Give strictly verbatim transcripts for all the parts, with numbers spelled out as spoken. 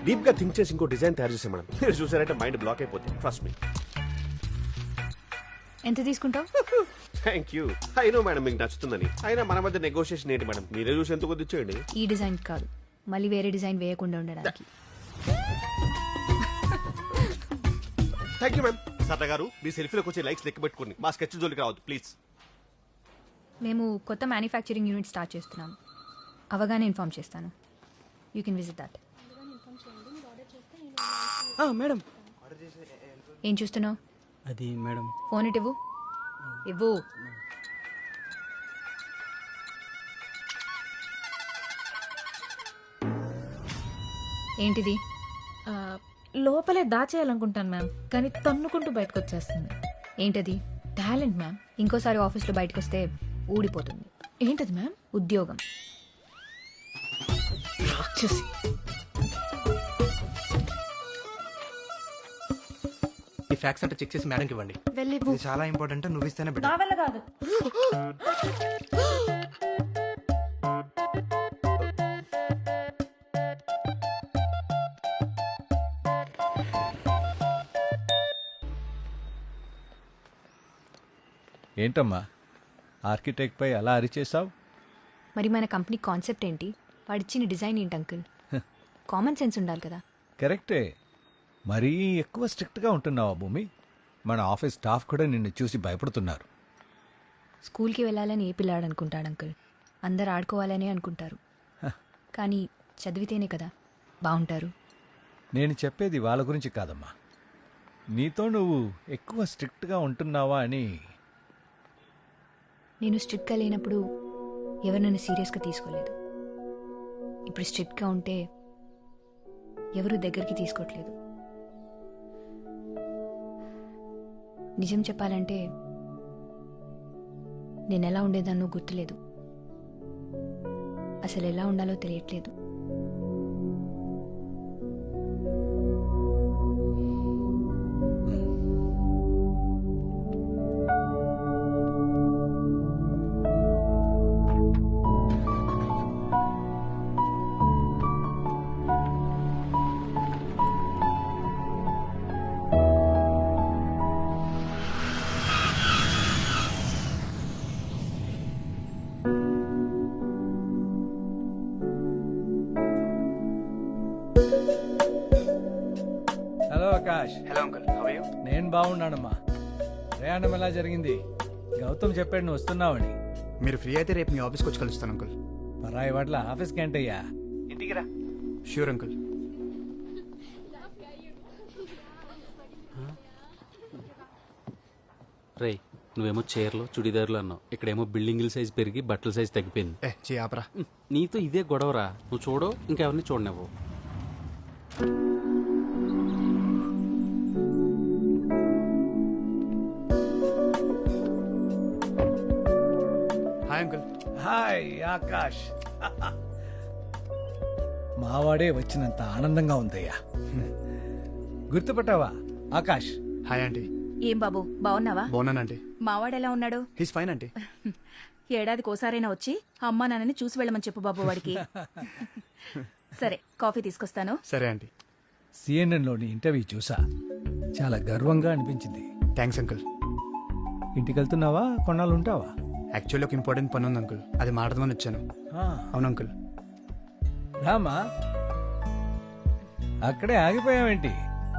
Deep గా think చేసి ఇంకో డిజైన్ తయారు చేసాం మేడం. మీరు చూసారంటే మైండ్ బ్లాక్ అయిపోతుంది. Trust me. ఎంత తీసుకుంటావు? Thank you. అయినో మేడం మీకు నచ్చుతుందని. అయినా మన మధ్య నెగోషియేషన్ ఏంటి మేడం? మీరే చూసి ఎంత కొద్ది ఇచ్చేయండి. ఈ డిజైన్ కాదు, మళ్ళీ వేరే డిజైన్ వేయకుండా ఉండడానికి. Thank you ma'am. సరదా గారు మీ సెల్ఫీలోకి వచ్చే లైక్స్ లెక్క పెట్టుకోండి. మా స్కెచ్ జోలికి రావద్దు ప్లీజ్. మేము కొత్త మ్యానుఫ్యాక్చరింగ్ యూనిట్ స్టార్ట్ చేస్తున్నాం. అవగానే ఇన్ఫార్మ్ చేస్తాను. You can visit that. Madam ఏం చూస్తున్నావు? అది మేడం. ఫోన్ ఇటు ఇవ్వు. ఇవ్వు. ఏంటిది? లోపలే దాచేయాలనుకుంటాను మ్యామ్, కానీ తన్నుకుంటూ బయటకు వచ్చేస్తుంది. ఏంటది? Talent ma'am. ఇంకోసారి ఆఫీస్లో బయటకు వస్తే ఊడిపోతుంది. ఏంటది మ్యామ్? ఉద్యోగం. రాక్షసి. ఈ ఫ్యాక్స్ అంటే చెక్ చేసి మేడంకి ఇవ్వండి. వెళ్ళి ఇది చాలా ఇంపార్టెంట్. నువ్వు ఇస్తేనే నా వల్ల కాదు. ఏంటమ్మా ఆర్కిటెక్ట్ పై అలా అరిచేసావు? మరి మన కంపెనీ కాన్సెప్ట్ ఏంటి? వాడిచ్చిన డిజైన్ ఏంటి అంకుల్? కామన్ సెన్స్ ఉండాలి కదా. కరెక్టే. మరీ ఎక్కువ స్ట్రిక్ట్గా ఉంటున్నావా భూమి? మన ఆఫీస్ స్టాఫ్ కూడా నిన్ను చూసి భయపడుతున్నారు. స్కూల్కి వెళ్ళాలని ఏ పిల్లాడు అనుకుంటాడు అంకుల్? అందరు ఆడుకోవాలనే అనుకుంటారు. కానీ చదివితేనే కదా బాగుంటారు. నేను చెప్పేది వాళ్ళ గురించి కాదమ్మా, నీతో నువ్వు ఎక్కువ స్ట్రిక్ట్గా ఉంటున్నావా అని. నేను స్ట్రిక్ట్గా లేనప్పుడు ఎవరు నన్ను సీరియస్గా తీసుకోలేదు. ఇప్పుడు స్ట్రిక్ట్గా ఉంటే ఎవరు దగ్గరికి తీసుకోవట్లేదు. నిజం చెప్పాలంటే నేను ఎలా ఉండేదాన్నో గుర్తులేదు. అసలు ఎలా ఉండాలో తెలియట్లేదు. Hello Akash. Hello uncle, how are you? నేను బాగున్నానమ్మా. ప్రయాణం ఎలా జరిగింది? గౌతమ్ చెప్పాడు నువ్వు వస్తున్నావని. మీరు ఫ్రీ అయితే రేపు మీ ఆఫీస్కి వచ్చి కలుస్తాను అంకుల్. పరాయి వాట్ల ఆఫీస్కి ఏంటయ్యా? ఇంటికి రా. Sure uncle. రే, నువ్వేమో చీరలు చుడిదారులు అన్నావు, ఇక్కడేమో బిల్డింగుల సైజ్ పెరిగి బట్టల సైజ్ తగ్గిపోయింది. ఏ చే ఆపరా. నీతో ఇదే గొడవరా. నువ్వు చూడవు, ఇంకెవరిని చూడనివ్వు. Hi uncle. హాయ్ ఆకాష్. మావాడే వచ్చినంత ఆనందంగా ఉందయ్యా. గుర్తుపట్టావా ఆకాష్? Hi aunty. ఏం బాబు, బాగున్నావా? బాగున్నానంటీ. మావాడెలా ఉన్నాడు? He's fine aunty. ఏడాదికి ఓసారైనా వచ్చి అమ్మా నాన్నని చూసి వెళ్ళమని చెప్పు బాబు వాడికి. సరే, కాఫీ తీసుకొస్తాను. సరే ఆంటీ. సిఎన్ఎన్లోని ఇంటర్వ్యూ చూసా, చాలా గర్వంగా అనిపించింది. Thanks uncle. ఇంటికి వెళ్తున్నావా? కొన్నాళ్ళు ఉంటావా? యాక్చువల్లీ ఒక ఇంపార్టెంట్ పని ఉంది అంకుల్, అది మాట్లాడదామని వచ్చాను. ఆ, అవును అంకుల్. రామా, అక్కడే ఆగిపోయావేంటి?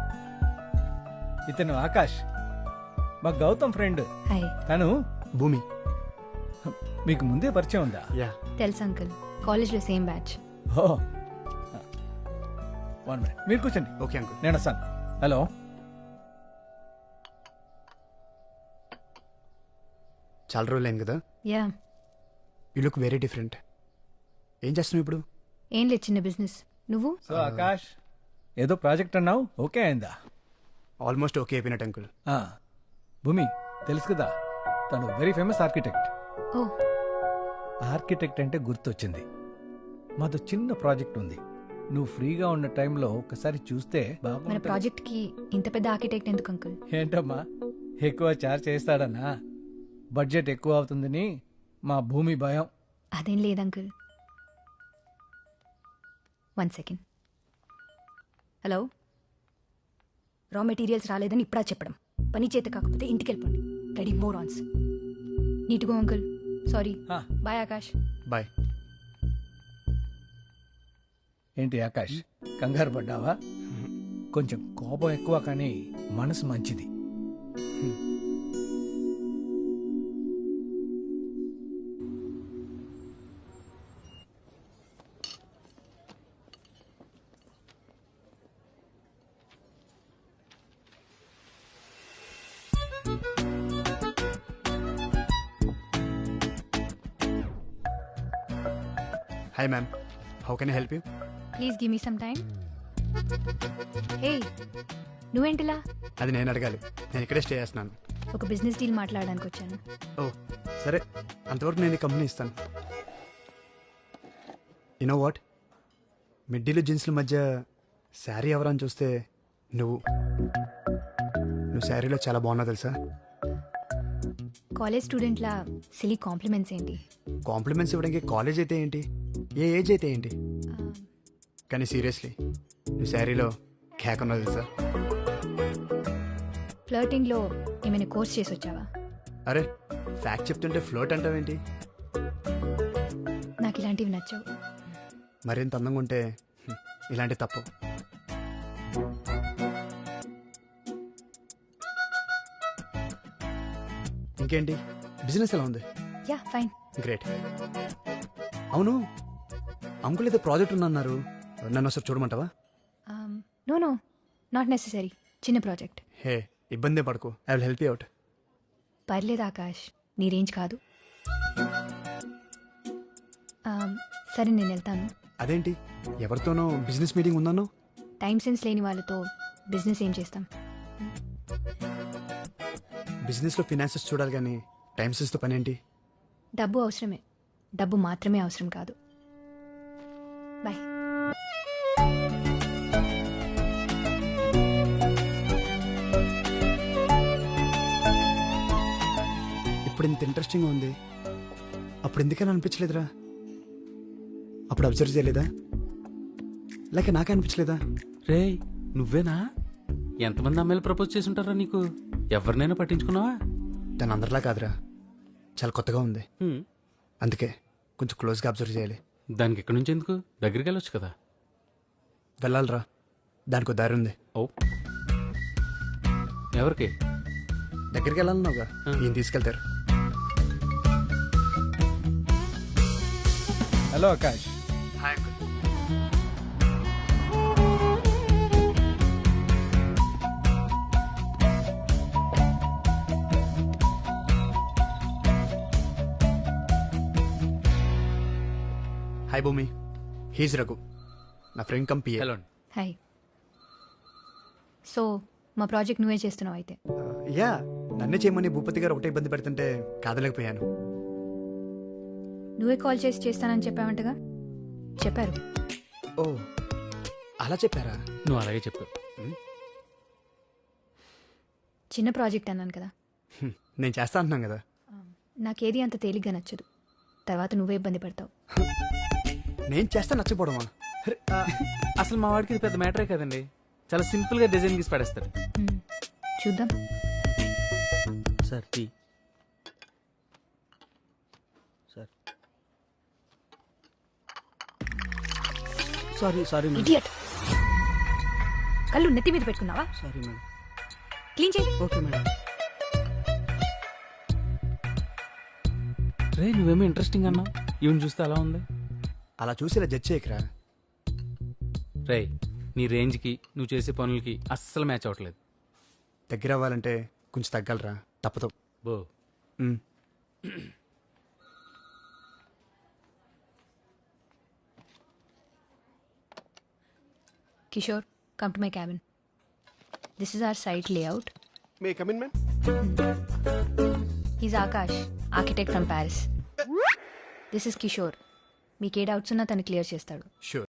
ఇతను ఆకాష్, మా గౌతమ్ ఫ్రెండ్. హాయ్. తను భూమి. మీకు ముందే పరిచయం ఉందా? యా. తెలుసు అంకుల్, కాలేజ్లో same batch. Oh, one minute, మీరు కూర్చోండి. Okay uncle. నేను వస్తాను. హలో. చాలా రోజులు అయింది కదా. Yeah. You look very different. ఏం చేస్తున్నావు ఇప్పుడు? ఏం లేదు, చిన్న బిజినెస్. నువ్వు? సో ఆకాష్, ఏదో ప్రాజెక్ట్ అన్నావు, ఓకే అయిందా? ఆల్మోస్ట్ ఓకే అయిపోయినట్టు అంకుల్. ఆ, భూమి తెలుసు కదా, తను very famous architect. Oh, architect అంటే గుర్తొచ్చింది. మాతో చిన్న ప్రాజెక్ట్ ఉంది. నువ్వు ఫ్రీగా ఉన్న టైంలో ఒకసారి చూస్తే మన బాగుంటుంది. ప్రాజెక్ట్ కి ఇంత పెద్ద ఆర్కిటెక్ట్ ఎందుకు అంకుల్? ఏంటమ్మా, ఎక్కువ చార్జ్ చేస్తాడన్నా? బడ్జెట్ ఎక్కువ అవుతుందని మా భూమి భయం. అదేం లేదు uncle. One second. Hello raw materials రాలేదని ఇప్పుడా చెప్పడం పని చేత కాకపోతే ఇంటికి వెళ్ళిపోండి రెడీ మోర్ ఆన్స్ నీట్ గో uncle sorry Ah. Bye Akash bye. ఏంటి ఆకాష్ కంగారు పడ్డావా కొంచెం కోపం ఎక్కువ కానీ మనసు మంచిది. Hi ma'am, how can I help you? Please give me some time hey నువ్వేంటిలా అది నేను అడగాలి, నేను ఇక్కడే స్టే చేస్తున్నాను. ఒక బిజినెస్ డీల్ మాట్లాడడానికి వచ్చాను ఓ సరే, అంతవరకు నేను ఈ కంపెనీ ఇస్తాను. యునో వాట్, మిడ్డీలు జీన్స్ల మధ్య శారీ ఎవరని చూస్తే నువ్వు నువ్వు శారీలో చాలా బాగున్నావు తెలుసా. కాలేజ్ స్టూడెంట్లా సిలీ కాంప్లిమెంట్స్ ఏంటి కాంప్లిమెంట్స్ ఇవ్వడానికి కాలేజ్ అయితే ఏంటి, ఏ ఏజ్ అయితే ఏంటి, ఆ, కానీ సీరియస్లీ నువ్వు శారీలో కేక్ ఉన్నావు తెలుసా. ఫ్లర్టింగ్లో ఏమైనా కోర్స్ చేసి వచ్చావా అరే ఫ్యాక్ట్ చెప్తుంటే ఫ్లోట్ అంటావేంటి? నాకు ఇలాంటివి నచ్చవు మరింత అందంగా ఉంటే హ్మ్, ఇలాంటి తప్పు. ఇంకేంటి, బిజినెస్ ఎలా ఉంది? Yeah fine great. అవును, అంకుల్ ఏదో ప్రాజెక్ట్ ఉందన్నారు, నన్ను ఒకసారి చూడమంటావా? నో నో నాట్ నెసరీ చిన్న ప్రాజెక్ట్ హే ఇబ్బంది పడుకో, I will help you out. పర్లేదు ఆకాష్ నీ రేంజ్ కాదు Um, సరే నేను వెళ్తాను అదేంటి, ఎవరితోనో బిజినెస్ మీటింగ్ ఉందన్నో? టైం సెన్స్ లేని వాళ్ళతో బిజినెస్ ఏం చేస్తాం బిజినెస్లో ఫినాన్సెస్ చూడాలి కానీ టైం సెన్స్తో పని ఏంటి? డబ్బు అవసరమే, డబ్బు మాత్రమే అవసరం కాదు. బాయ్. ఇప్పుడు ఇంత ఇంట్రెస్టింగ్గా ఉంది, అప్పుడు ఎందుకని అనిపించలేదురా? అప్పుడు అబ్జర్వ్ చేయలేదా, లేక నాకే అనిపించలేదా? రే నువ్వేనా? ఎంతమంది అమ్మాయిలు ప్రపోజ్ చేసి ఉంటారా నీకు? ఎవరినైనా పట్టించుకున్నావా? తను అందరిలా కాదురా, చాలా కొత్తగా ఉంది, హ్మ్. అందుకే కొంచెం క్లోజ్గా అబ్జర్వ్ చేయాలి. దానికి ఎక్కడి నుంచి ఎందుకు? దగ్గరికి వెళ్ళొచ్చు కదా. వెళ్ళాలిరా, దానికి ఒక దారి ఉంది. ఓ ఎవరికి? దగ్గరికి వెళ్ళాలన్నావుగా, ఆ. ఈయన తీసుకెళ్తారు. Hello Akash, hi Bhoomi, he's Raghu, నా ఫ్రెండ్ కంపీ. హలో అండి. హాయ్. సో మా ప్రాజెక్ట్ నువ్వే చేస్తున్నావు అయితే. యా, నన్నే చేయమని భూపతి గారు ఒకటే ఇబ్బంది పెడుతుంటే కాదలేకపోయాను. నువ్వే కాల్ చేసి చేస్తానని చెప్పావంటగా. చెప్పారు. ఓ అలా చెప్పారా? నువ్వు అలాగే చెప్పు. చిన్న ప్రాజెక్ట్ అన్నాను కదా, హ్మ్, నేను చేస్తా అంటున్నాను కదా. నాకేది అంత తేలిగ్గా నచ్చదు, తర్వాత నువ్వే ఇబ్బంది పడతావు. నేను చేస్తా నచ్చపోవడమా? అరే, ఆ, అసలు మా వాడికి ఇది పెద్ద మ్యాటరే కదండి. చాలా సింపుల్ గా డిజైన్ గీసి పడేస్తాడు. మ్మ్. చూద్దాం. Sir tea sir. Sorry sorry madam. Idiot. కళ్ళు నెత్తి మీద పెట్టుకున్నావా? Sorry madam. క్లీన్ చేయి. Okay madam. రే నువ్వేమో ఇంట్రెస్టింగ్ అన్నావు, ఈవెన్ చూస్తే అలా ఉంది. అలా చూసి ఇలా జడ్జ్ చేయకరా. రే నీ రేంజ్కి నువ్వు చేసే పనులకి అస్సలు మ్యాచ్ అవ్వట్లేదు. దగ్గర అవ్వాలంటే కొంచెం తగ్గలరా, తప్పదు. బో మ్. Kishore, come to my cabin. This is our site layout. May come in ma'am. He's Akash, architect from Paris. This is Kishore. మీకు ఏ డౌట్స్ ఉన్నా తను క్లియర్ చేస్తాడు. షూర్.